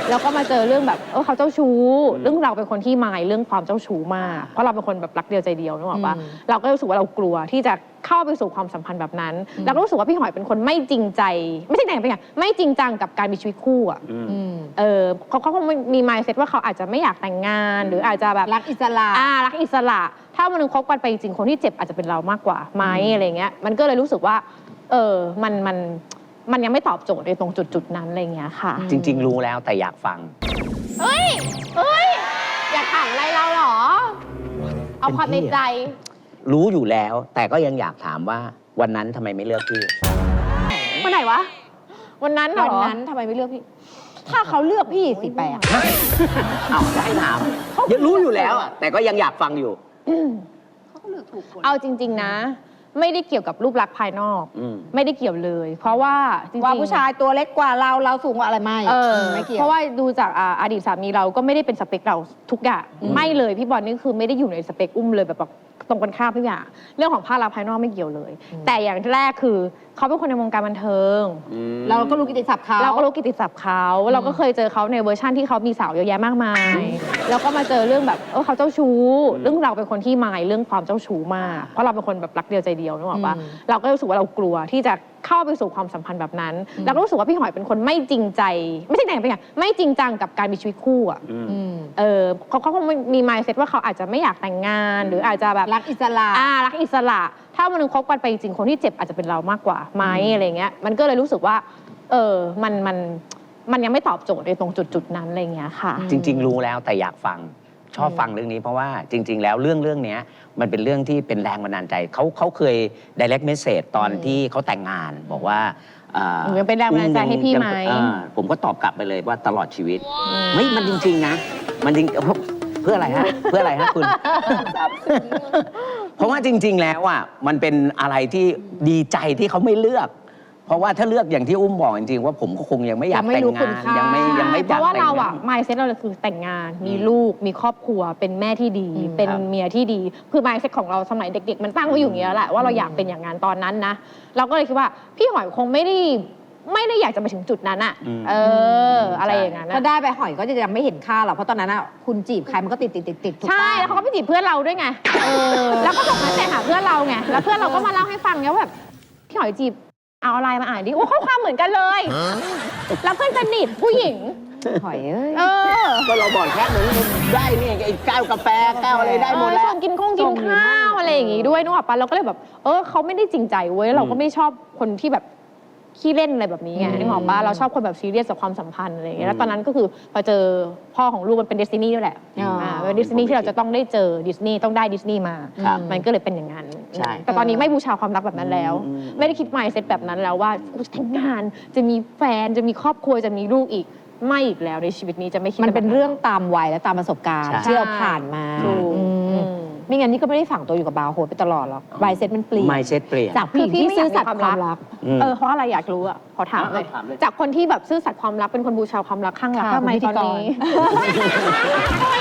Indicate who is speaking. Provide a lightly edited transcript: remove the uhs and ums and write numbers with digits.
Speaker 1: แล้วก็มาเจอเรื่องแบบเขาเจ้าชู้เรื่องเราเป็นคนที่มายเรื่องความเจ้าชู้มากเพราะเราเป็นคนแบบรักเดียวใจเดียวนึกออกปะเราก็รู้สึกว่าเรากลัวที่จะเข้าไปสู่ความสัมพันธ์แบบนั้นเราก็รู้สึกว่าพี่หอยเป็นคนไม่จริงใจไม่ใช่ไหนเป็นไงไม่จริงจังกับการมีชีวิตคู่อ่ะเขาคงมี mindset ว่าเขาอาจจะไม่อยากแต่งงานหรืออาจจะแบบ
Speaker 2: รักอิสระ
Speaker 1: รักอิสระถ้าวันนึงคบกันไปจริงคนที่เจ็บอาจจะเป็นเรามากกว่าไหมอะไรเงี้ยมันก็เลยรู้สึกว่ามันยังไม่ตอบโจทย์ในตรงจุดนั้นอะไรเงี้ยค่ะ
Speaker 3: จริงๆรู้แล้วแต่อยากฟัง
Speaker 1: เฮ้ยอยากถามอะไรเราเหรอเอาความในใจ
Speaker 3: รู้อยู่แล้วแต่ก็ยังอยากถามว่าวันนั้นทำไมไม่เลือกพี่
Speaker 1: วันไหนวะวันนั้นเหรอวันนั้นทำไมไม่เลือกพี่ถ้าเขาเลือกพี่สิแปะ
Speaker 3: เอาจะให้ถามยังรู้อยู่แล้วแต่ก็ยังอยากฟังอยู่
Speaker 1: เขาก็เลือกถูกคนเอาจริงๆนะไม่ได้เกี่ยวกับรูปลักษณ์ภายนอกไม่ได้เกี่ยวเลยเพราะว่าจริงๆ
Speaker 2: ว่าผู้ชายตัวเล็กกว่าเราสูงกว่าอะไรไม่เกี่ยว
Speaker 1: เพราะว่าดูจากอดีตสามีเราก็ไม่ได้เป็นสเปคเราทุกอย่างไม่เลยพี่บอลนี่คือไม่ได้อยู่ในสเปคอุ้มเลยแบบตรงกันข้ามทุกอย่างเรื่องของภาพลักษณ์ภายนอกไม่เกี่ยวเลยแต่อย่างแรกคือเขาเป็นคนในวงการบันเทิง
Speaker 2: เราก็รู้กิตติศัพท์เขา
Speaker 1: เราก็เคยเจอเขาในเวอร์ชั่นที่เขามีสาวเยอะแยะมากมายแล้วก็มาเจอเรื่องแบบเขาเจ้าชู้เรื่องเราเป็นคนที่มายเรื่องความเจ้าชู้มากเพราะเราเป็นคนแบบรักเดียวใจเดียวนึกออกปะเราก็รู้สึกว่าเรากลัวที่จะเข้าไปสู่ความสัมพันธ์แบบนั้นเราก็รู้สึกว่าพี่หอยเป็นคนไม่จริงใจไม่ใช่ไหนเป็นไงไม่จริงจังกับการมีชีวิตคู่อ่ะเขาคงมี mindset ว่าเขาอาจจะไม่อยากแต่งงานหรืออาจจะแบบ
Speaker 2: รักอิสระ
Speaker 1: รักอิสระถ้าวันนึงคบกันไปจริงคนที่เจ็บอาจจะเป็นเรามากกว่าไหมอะไรเงี้ยมันก็เลยรู้สึกว่ามันยังไม่ตอบโจทย์ในตรงจุดนั้นอะไรเงี้ยค่ะ
Speaker 3: จริงๆรู้แล้วแต่อยากฟังชอบฟังเรื่องนี้เพราะว่าจริงๆแล้วเรื่องนี้มันเป็นเรื่องที่เป็นแรงบันดาลใจเขาเคย direct message ตอนที่เขาแต่งงานบอกว่า
Speaker 1: ยังเป็นแรงบันดาลใจให้พี่ไหม
Speaker 3: ผมก็ตอบกลับไปเลยว่าตลอดชีวิตไม่มันจริงๆนะมันจริงเพื่ออะไรฮะเพื่ออะไรฮะคุณเพราะว่าจริงๆแล้วอ่ะมันเป็นอะไรที่ดีใจที่เขาไม่เลือกเพราะว่าถ้าเลือกอย่างที่อุ้มบอกจริงๆว่าผมก็คงยังไม่อยากแต่งงานยังไม่
Speaker 1: เพราะว่าเราอ่ะ mindset เราคือแต่งงานมีลูกมีครอบครัวเป็นแม่ที่ดีเป็นเมียที่ดีคือ mindset ของเราสมัยเด็กๆมันตั้งไว้อยู่อย่างนี้แหละว่าเราอยากเป็นอย่างนั้นตอนนั้นนะเราก็เลยคิดว่าพี่หอยคงไม่ได้อยากจะไปถึงจุดนั้นอะอะไรอย่างนั้น
Speaker 2: ถ้าได้ไปหอยก็จะยังไม่เห็นค่าหรอกเพราะตอนนั้นคุณจีบใครมันก็ติด
Speaker 1: ใช่แล้วเขาก็ไปจีบเพื่อนเราด้วยไงแล้วก็ส่งมาแชร์หาเพื่อนเราไงแล้วเพื่อนเราก็มาเล่าให้ฟังไงว่าแบบพี่หอยจีบเอาอะไรมาอ่านดิโอ้ข้อความเหมือนกันเลยแล้วเพื่อนสนิทผู้หญิง
Speaker 2: หอย
Speaker 3: ก็เราบอกแค่นั้นได้นี่ไอ้แก้วกาแฟแก้วอะไรได้หมดแล้ว
Speaker 1: ชวนกินข้าวอะไรอย่างงี้ด้วยนึกออกปะเราก็เลยแบบเขาไม่ได้จริงใจเว้ยเราก็ไม่ชอบคนที่แบบขี้เล่นอะไรแบบนี้ไงนึกออกปะเราชอบคนแบบซีเรียสกับความสัมพันธ์อะไรอย่างเงี้ยแล้วตอนนั้นก็คือพอเจอพ่อของลูกมันเป็นดิสนีย์ด้วยแหละเป็นดิสนีย์ที่เราจะต้องได้เจอดิสนีย์ต้องได้ดิสนีย์มามันก็เลยเป็นอย่างนั้นแต่ตอนนี้ไม่บูชาความรักแบบนั้นแล้วไม่ได้คิด mindset แบบนั้นแล้วว่าจะแต่งงานจะมีแฟนจะมีครอบครัวจะมีลูกอีกไม่อีกแล้วในชีวิตนี้จะไม่คิด
Speaker 2: มันเป็นเรื่องตามวัยและตามประสบการณ์ที่เราผ่านมาไม่งั้นนี่ก็ไม่ได้ฝังตัวอยู่กับบาร์โฮสไปตลอดหรอกmindset มันเปลี่ยน
Speaker 3: mindset เปลี่ยน
Speaker 1: จากผู้หญิงที่ซื่อสัตย์ความรักเพราะอะไรอยากรู้อ่ะขอถามเลยจากคนที่แบบซื่อสัตย์ความรักเป็นคนบูชาความรักข้างรักทำไมตอนนี้